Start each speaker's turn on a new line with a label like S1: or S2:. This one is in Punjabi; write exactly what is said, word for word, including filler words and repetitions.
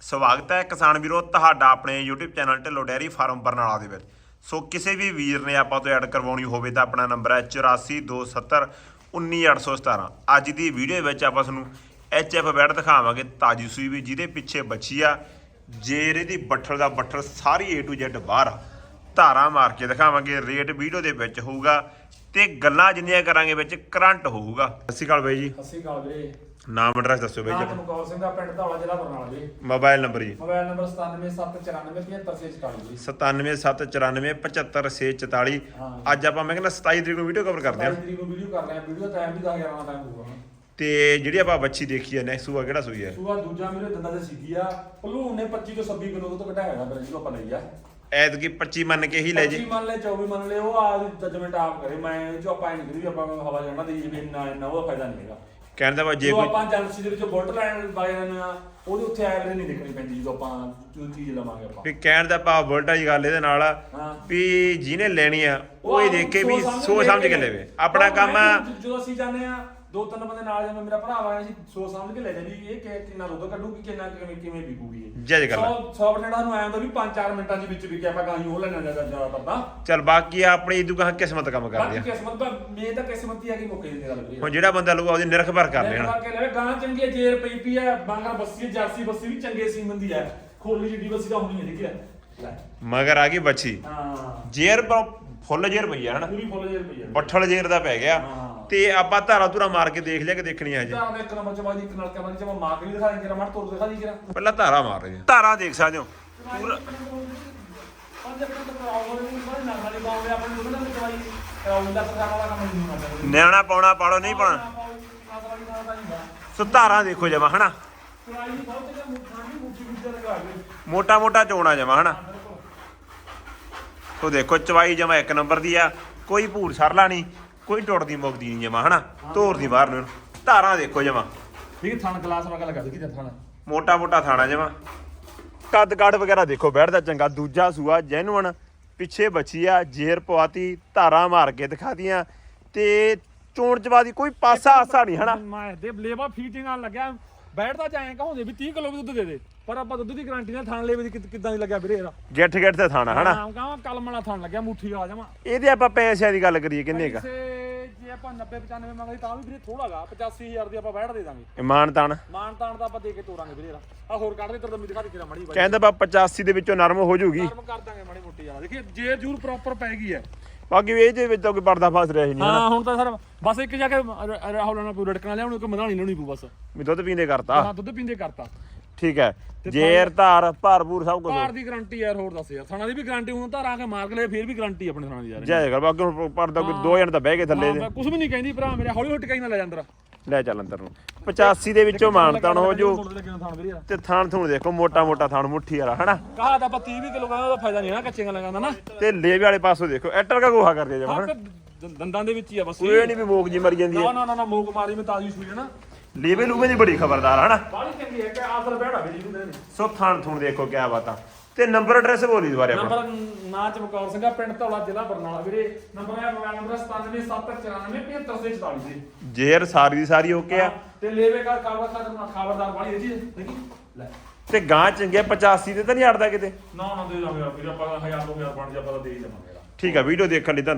S1: ਸਵਾਗਤ ਹੈ ਕਿਸਾਨ ਵੀਰੋ ਤੁਹਾਡਾ ਆਪਣੇ YouTube channel Dhillon dairy farm Barnala ਦੇ ਵਿੱਚ। ਸੋ ਕਿਸੇ ਵੀ ਵੀਰ ਨੇ ਆਪਾਂ ਤੋਂ ਐਡ ਕਰਵਾਉਣੀ ਹੋਵੇ ਤਾਂ ਆਪਣਾ ਨੰਬਰ ਹੈ ਚੁਰਾਸੀ ਦੋ ਸੱਤਰ ਉੱਨੀ ਅੱਠ ਸੌ ਸਤਾਰਾਂ। ਅੱਜ ਦੀ ਵੀਡੀਓ ਵਿੱਚ ਆਪਾਂ ਤੁਹਾਨੂੰ ਐਚ ਐਫ ਬੈਡ ਦਿਖਾਵਾਂਗੇ ਤਾਜੀ ਸੂਈ ਵੀ, ਜਿਹਦੇ ਪਿੱਛੇ ਬੱਚੀ ਆ ਜੇਰ ਇਹਦੀ ਬੱਠਲ ਦਾ ਬੱਠਲ ਸਾਰੀ ਏ ਟੂ ਜ਼ੈਡ ਬਾਹਰ ਆ। ਧਾਰਾਂ ਮਾਰ ਕੇ ਦਿਖਾਵਾਂਗੇ, ਰੇਟ ਵੀਡੀਓ ਦੇ ਵਿੱਚ ਹੋਊਗਾ ਤੇ ਗੱਲਾਂ ਜਿੰਨੀਆਂ ਕਰਾਂਗੇ ਵਿੱਚ ਕਰੰਟ ਹੋਊਗਾ। ਸਤਿ ਸ਼੍ਰੀ ਅਕਾਲ ਬਾਈ ਜੀ।
S2: ਸਤਿ ਸ਼੍ਰੀ ਅਕਾਲ ਵੀਰੇ।
S1: ਨਾਮ ਐਡਰੈਸ ਦੱਸੋ ਬਾਈ ਜੀ।
S2: ਨਾਮ ਚਮਕੌਰ ਸਿੰਘ ਦਾ, ਪਿੰਡ ਧੌਲਾ, ਜ਼ਿਲ੍ਹਾ Barnala ji.
S1: Mobile number ji.
S2: Mobile number ਸਤਾਨਵੇਂ ਸੱਤ ਚੁਰਾਨਵੇਂ ਪਝੱਤਰ ਛੇ ਚੁਤਾਲੀ ਜੀ।
S1: ਸਤਾਨਵੇਂ ਸੱਤ ਚੁਰਾਨਵੇਂ ਪਝੱਤਰ ਛੇ ਚੁਤਾਲੀ। ਅੱਜ ਆਪਾਂ ਮੈਂ ਕਹਿੰਦਾ ਸਤਾਈ ਤਰੀਕ ਨੂੰ ਵੀਡੀਓ ਕਵਰ ਕਰਦੇ ਹਾਂ।
S2: ਸਤਾਈ ਤਰੀਕ ਨੂੰ ਵੀਡੀਓ ਕਰ ਰਹੇ ਹਾਂ। ਵੀਡੀਓ ਟਾਈਮ ਵੀ ਦਸ ਗਿਆਰਾਂ ਦਾ ਟਾਈਮ ਹੋਊਗਾ।
S1: ਤੇ ਜਿਹੜੀ ਆਪਾਂ ਬੱਚੀ ਦੇਖੀ ਹੈ ਨੈਕਸਟ ਸੂਆ ਕਿਹੜਾ ਸੂਈ ਹੈ?
S2: ਸੂਆ ਦੂਜਾ ਮੇਰੇ ਦੰਦਾਂ ਤੇ ਸਿੱਗੀ ਆ। ਭਲੂਣ ਨੇ ਪੱਚੀ ਤੋਂ ਛੱਬੀ ਕਿਲੋ ਤੋਂ ਘਟਾਇਆ ਹੈਗਾ ਜਿਹਨੂੰ ਆਪਾਂ ਲਈ ਆ।
S1: ਐਤਕੀ ਪੱਚੀ ਮੰਨ ਕੇ ਹੀ ਲੈ ਜੀ।
S2: ਪੱਚੀ ਮੰਨ ਲੈ, ਚੌਵੀ ਮੰਨ ਲੈ, ਉਹ ਆ ਜਜਮੈਂਟ ਆਪ ਕਰੇ। ਮੈਂ ਜੋ ਆਪਾਂ ਨਹੀਂ ਕਰੀ ਵੀ ਆਪਾਂ ਹਵਾ ਜਾਣਾ ਦੇ ਜੀ ਵੀ ਇੰਨਾ ਇੰਨਾ ਉਹਦਾ ਫਾਇਦਾ ਨਹੀਂ ਹੈਗਾ।
S1: ਕਹਿੰਦਾ ਵਾ ਜੇ
S2: ਜੋ
S1: ਕੋਈ
S2: ਆਪਾਂ ਏਜੰਸੀ ਦੇ ਵਿੱਚ ਬੁਲਟ ਲੈਣ ਵਾਲੇ ਨੇ ਆ ਉਹਦੇ ਉੱਥੇ ਐਵਰੇਜ ਨਹੀਂ ਦੇਖਣੀ ਪੈਂਦੀ ਜਦੋਂ ਆਪਾਂ ਜੋ ਚੀਜ਼ ਲਵਾਂਗੇ ਆਪਾਂ।
S1: ਵੀ ਕਹਿਣ ਦਾ ਭਾਵ ਬੁਲਟ ਵਾਲੀ ਗੱਲ ਇਹਦੇ ਨਾਲ
S2: ਹਾਂ
S1: ਵੀ ਜਿਹਨੇ ਲੈਣੀ ਆ ਉਹ ਇਹ ਦੇਖ ਕੇ ਵੀ ਸੋਚ ਸਮਝ ਕੇ ਲੈਵੇ। ਆਪਣਾ ਕੰਮ ਆ
S2: ਜਦੋਂ ਅਸੀਂ ਜਾਂਦੇ ਆ ਦੋ ਤਿੰਨ ਬੰਦੇ ਨਾਲ ਜਾਂਦੇ, ਮੇਰਾ ਭਰਾ ਆਇਆ ਸੀ, ਸੋਚ ਸਮਝ ਕੇ ਲੈ ਜਾਂਦੀ ਇਹ ਕਿ ਕਿੰਨਾ ਦੁੱਧ ਕੱਢੂਗੀ, ਕਿੰਨਾ ਕਿਵੇਂ ਕਿਵੇਂ ਵਿਕੂਗੀ ਇਹ।
S1: ਜੱਜ ਕਰ ਲੈ।
S2: ਸੌ ਬਟੇੜਾ ਨੂੰ ਆਇਆ ਹੁੰਦਾ ਵੀ ਪੰਜ ਚਾਰ ਮਿੰਟਾਂ ਦੇ ਵਿੱਚ ਵਿਕਿਆ, ਆਪਾਂ ਗਾਂ ਉਹ ਲੈਣਾ ਜ਼ਿਆਦਾ ਕਰਦਾ।
S1: ਚੱਲ ਬਾਕੀ ਆਪਣੀ ਦੁਕਾਨ ਕਿਸਮਤ ਕੰਮ ਕਰਦੀ ਆ।
S2: ਬਾਕੀ ਕਿਸਮਤ ਦਾ ਮੇ ਤਾਂ ਕਿਸਮਤ ਹੀ ਆ ਕਿ ਮੌਕੇ ਦੀ ਗੱਲ ਕਰੀ।
S1: ਹੁਣ ਜਿਹੜਾ ਬੰਦਾ ਲਊਗਾ ਉਹਦੀ ਨਿਰਖਬਰ ਕਰ ਲੈਣਾ।
S2: ਕਰਕੇ ਲੈ ਗਾਂ ਚੰਗੀ ਹੈ, ਜੇਰ ਪਈ ਪਈ ਹੈ, ਬਾਂਗਰ ਬੱਸੀ ਜਰਸੀ ਬੱਸੀ ਵੀ ਚੰਗੇ ਸੀਮਨ ਦੀ ਹੈ, ਖੋਲੀ ਜਿੱਡੀ ਬੱਸੀ ਤਾਂ ਹੋਣੀ ਹੈ। ਠੀਕ ਹੈ ਲੈ
S1: ਮਗਰ ਆ ਗਈ ਬੱਚੀ।
S2: ਹਾਂ
S1: ਜੇਰ ਫੁੱਲ ਜੇਰ ਪਈ ਆ ਹਨਾ,
S2: ਪੂਰੀ ਫੁੱਲ ਜੇਰ ਪਈ ਹੈ,
S1: ਬੱਠਲ ਜੇਰ ਦਾ ਪੈ ਗਿਆ। ਤੇ ਆਪਾਂ ਧਾਰਾ ਧੂਰਾ ਮਾਰ ਕੇ ਦੇਖ ਲਿਆ ਕਿ ਦੇਖਣੀ ਆ ਜੀ।
S2: ਧਾਰਾ ਦਾ ਇੱਕ ਨੰਬਰ ਚ ਬਾਜੀ, ਇੱਕ ਨਾਲ ਕਮਾਂ ਚ ਮਾਰ ਕੇ ਵੀ ਦਿਖਾ ਦੇ, ਜਰਾ ਮਾਰ ਤੋੜ ਦਿਖਾ ਦੀ ਜਰਾ।
S1: ਪਹਿਲਾਂ ਧਾਰਾ ਮਾਰ ਰਹੇ ਆ। ਧਾਰਾ ਦੇਖ ਸਕਦੇ ਹੋ ਪੂਰਾ
S2: ਪੰਜ ਮਿੰਟ ਕਰਾਉ ਵਾਲੇ ਸਾਰੇ ਨਾਲ ਵਾਲੇ ਬਾਉਂਦੇ ਆਪਣੇ ਦੁੱਧ ਨਾਲ ਚਵਾਈ ਕਰਾਉ ਦਾ ਪ੍ਰਕਾਰ ਵਾਲਾ ਕੰਮ ਨਹੀਂ ਹੁੰਦਾ।
S1: ਨਿਆਣਾ ਪਾਉਣਾ ਪਾੜੋ ਨਹੀਂ ਪਾਉਣਾ। ਸੋ ਧਾਰਾ ਦੇਖੋ ਜਮਾ ਹਨਾ,
S2: ਚਵਾਈ ਬਹੁਤ ਜਿਆਦਾ ਮੁੱਠਾਂ ਦੀ ਮੁੱਠੀ ਵਿੱਚ ਲਗਾ ਦੇ,
S1: ਮੋਟਾ ਮੋਟਾ ਚੋਣਾ ਜਮਾ ਹਨਾ। ਸੋ ਦੇਖੋ ਚਵਾਈ ਜਮਾ ਇੱਕ ਨੰਬਰ ਦੀ ਆ, ਕੋਈ ਭੂਰ ਸਰਲਾ ਨਹੀਂ, ਕੋਈ ਟੁੱਟਦੀ ਮੁੱਕਦੀ ਨਹੀਂ ਜਮਾ ਹਨਾ। ਧੋਰ ਦੀ ਬਾਹਰ ਨੂੰ ਧਾਰਾਂ ਦੇਖੋ ਜਮਾ।
S2: ਠੀਕ ਥਣ ਗਲਾਸ ਵਗਾ ਲਗਾ ਦੇ, ਕੀ ਥਣ
S1: ਮੋਟਾ ਮੋਟਾ ਥਾਣਾ ਜਮਾ। ਕੱਦ ਕਾਠ ਵਗੈਰਾ ਦੇਖੋ ਬੈਠਦਾ ਚੰਗਾ। ਦੂਜਾ ਸੂਆ ਜੈਨੂਅਨ, ਪਿੱਛੇ ਬੱਚੀ ਆ, ਜੇਰ ਪਵਾਤੀ, ਧਾਰਾਂ ਮਾਰ ਕੇ ਦਿਖਾਤੀਆਂ ਤੇ ਚੋਣ ਚਵਾ ਦੀ ਕੋਈ ਪਾਸਾ ਆਸਾ ਨਹੀਂ ਹਨਾ।
S2: ਮੈਂ ਦੇ ਲੇਵਾ ਫੀਟਿੰਗ ਨਾਲ ਲੱਗਿਆ ਬੈਠਦਾ ਜਾਏ ਕਹੋਂਦੇ ਵੀ ਤੀਹ ਕਿਲੋ ਵੀ ਦੁੱਧ ਦੇ ਦੇ, ਪਰ ਆਪਾਂ ਦੁੱਧ ਦੀ ਗਾਰੰਟੀ ਨਾਲ ਥਣ ਲੇਵੇ ਦੀ ਕਿੱਦਾਂ ਦੀ ਲੱਗਿਆ ਵੀਰੇ ਇਹਦਾ।
S1: ਗਿੱਠ ਗਿੱਠ ਤੇ ਥਾਣਾ ਹਨਾ।
S2: ਹਾਂ ਕਹਾਂ ਕਲਮ ਵਾਲਾ ਥਣ ਲੱਗਿਆ, ਮੁੱਠੀ ਵਾਲਾ ਜਮਾ।
S1: ਇਹਦੇ ਆਪਾਂ ਪੈਸਿਆਂ ਦੀ ਗੱਲ ਕਰੀਏ ਕਿੰਨੇ ਕਾ?
S2: ਜੇ ਆਪਾਂ ਨੱਬੇ ਪਚਾਨਵੇਂ ਮੰਗਦੇ ਤਾਂ ਵੀ ਵੀਰੇ ਥੋੜਾਗਾ, ਪਚਾਸੀ ਹਜ਼ਾਰ ਦੀ ਆਪਾਂ ਬੈਠ ਦੇ ਦਾਂਗੇ।
S1: ਇਮਾਨ ਤਾਨ
S2: ਮਾਨ ਤਾਨ ਦਾ ਆਪਾਂ ਦੇ ਕੇ ਤੋਰਾਂਗੇ ਵੀਰੇ ਇਹਦਾ। ਆ ਹੋਰ ਕੱਢ ਦੇ ਤੇਰੇ ਦਮੀ ਦਿਖਾ ਦੇ ਕਿਰਾ ਮੜੀ ਬਾਈ।
S1: ਕਹਿੰਦਾ ਬਾ ਪਚਾਸੀ ਦੇ ਵਿੱਚੋਂ ਨਰਮ ਹੋ ਜੂਗੀ।
S2: ਨਰਮ ਕਰ ਦਾਂਗੇ ਮਾੜੀ ਮੋਟੀ ਯਾਰ। ਦੇਖੀ ਜੇ ਜੂਰ ਪ੍ਰੋਪਰ ਪੈ ਗਈ ਹੈ।
S1: ਬਾਕੀ ਇਹਦੇ ਵਿੱਚ ਤਾਂ ਕੋਈ ਪਰਦਾ ਫਸ ਰਿਹਾ ਹੀ ਨਹੀਂ ਹਨਾ।
S2: ਹਾਂ ਹੁਣ ਤਾਂ ਸਰ ਬਸ ਇੱਕ ਜਾ ਕੇ ਰਾਹੁਲ ਨਾਲ ਕੋਈ ਰੜਕਣਾ ਲਿਆਉਣ, ਇੱਕ ਮਧਾਣੀ ਲਾਉਣੀ ਪਊ ਬਸ।
S1: ਵੀ ਦੁੱਧ ਪੀਂਦੇ ਕਰਤਾ।
S2: ਹਾਂ ਦੁੱਧ ਪੀਂਦੇ ਕਰਤਾ।
S1: ਠੀਕ ਹੈ, ਜੇਰ ਧਾਰ ਭਾਰਪੂਰ ਸਭ ਕੁਝ।
S2: ਭਾਰ ਦੀ ਗਾਰੰਟੀ ਯਾਰ, ਹੋਰ ਦੱਸ ਯਾਰ। ਥਾਣਾ ਦੀ ਵੀ ਗਾਰੰਟੀ, ਹੁਣ ਧਾਰ ਆ ਕੇ ਮਾਰ ਕੇ ਲੈ ਫੇਰ ਵੀ ਗਾਰੰਟੀ ਆਪਣੇ ਥਾਣਾ ਦੀ ਯਾਰ।
S1: ਜੈ ਕਰ ਬਾਕੀ ਹੁਣ ਪਰਦਾ ਕੋਈ ਦੋ ਜਣ ਤਾਂ ਬਹਿ ਗਏ ਥੱਲੇ ਦੇ।
S2: ਕੁਝ ਵੀ ਨਹੀਂ ਕਹਿੰਦੀ ਭਰਾ ਮੇਰੇ, ਹੌਲੀ ਹੌਲੀ ਟਿਕਾਈ ਨਾ ਲੈ ਜਾ ਅੰਦਰ।
S1: ਲੈ ਚੱਲ ਅੰਦਰ ਨੂੰ। ਪਚਾਸੀ ਦੇ ਵਿੱਚੋਂ ਮਾਨਤਾਨ ਹੋ ਜੂ। ਤੇ ਥਾਣ ਥੂਣ ਦੇਖੋ, ਮੋਟਾ ਮੋਟਾ ਥਾਣ ਮੁੱਠੀ ਵਾਲਾ ਹਨਾ।
S2: ਕਹਾ ਤਾਂ ਆਪਾਂ ਤੀਹ ਵੀ ਕਿਲੋ ਕਹਿੰਦਾ, ਉਹਦਾ ਫਾਇਦਾ ਨਹੀਂ ਹੈ ਨਾ, ਕੱਚੇ ਗੱਲਾਂ ਕਹਿੰਦਾ ਨਾ।
S1: ਤੇ ਲੇਵੇ ਵਾਲੇ ਪਾਸੋਂ ਦੇਖੋ ਐਟਰ ਕਾ ਗੋਹਾ ਕਰਦੇ ਜਮਾ ਹਨਾ।
S2: ਦੰਦਾਂ ਦੇ ਵਿੱਚ ਹੀ ਆ ਬਸ।
S1: ਕੋਈ ਨਹੀਂ ਵੀ ਮੋਕ ਜੀ ਮਰ ਜਾਂਦੀ ਹੈ।
S2: ਨਾ ਨਾ ਨਾ ਮੋਕ ਮਾਰੀ ਮੈਂ ਤਾਜ਼ੀ ਸੂਈ ਹੈ ਨਾ।
S1: ਲੇਵੇ ਲੂਵੇ ਦੀ ਬੜੀ ਖਬਰਦਾਰ ਹਨਾ।
S2: ਬਾਲੀ ਚੰਗੀ ਹੈ ਕਿ ਆਸਰ ਬੈਠਾ ਵੀ ਜੀ ਨੂੰ।
S1: ਸੋ ਥਾਣ ਥੂਣ ਦੇਖੋ ਕਿਆ ਬਾਤਾਂ। ਤੇ ਨੰਬਰ ਐਡਰੈਸ ਬੋਲੀ ਦੁਬਾਰੇ ਆਪਣਾ।
S2: ਨੰਬਰ ਨਾਂ ਚਮਕੌਰ ਸਿੰਘ, ਪਿੰਡ ਧੌਲਾ, ਜ਼ਿਲ੍ਹਾ ਬਰਨਾਲਾ ਵੀਰੇ। ਨੰਬਰ ਹੈ ਮੋਬਾਈਲ ਨੰਬਰ ਸਤਾਨਵੇਂ ਸੱਤ ਚੁਰਾਨਵੇਂ ਪਝੱਤਰ ਛੇ ਚੁਤਾਲੀ ਜੀ।
S1: ਜੇਰ ਸਾਰੀ ਦੀ ਸਾਰੀ ਓਕੇ ਆ।
S2: ਤੇ ਲੇਵੇ ਕਰ ਕਾਬਾ ਖਾਦਰ ਖਬਰਦਾਰ ਬਾਲੀ ਹੈ ਜੀ। ਦੇਖੀ ਲੈ
S1: ਤੇ ਗਾਂ ਚੰਗੇ ਪਚਾਸੀ ਤੇ ਤਾਂ ਨਹੀਂ ਅੜਦਾ ਕਿਤੇ।
S2: ਨਾ ਨਾ ਦੇ ਦਾਂਗੇ ਵੀਰੇ ਆਪਾਂ, ਹਜ਼ਾਰ ਦੋ ਹਜ਼ਾਰ ਬਣ ਜਾ ਆਪਾਂ ਦੇ ਹੀ ਦੇਵਾਂਗੇ।
S1: ਠੀਕ ਆ, ਵੀਡੀਓ ਦੇਖਣ ਲਈ ਧੰਨਵਾਦ।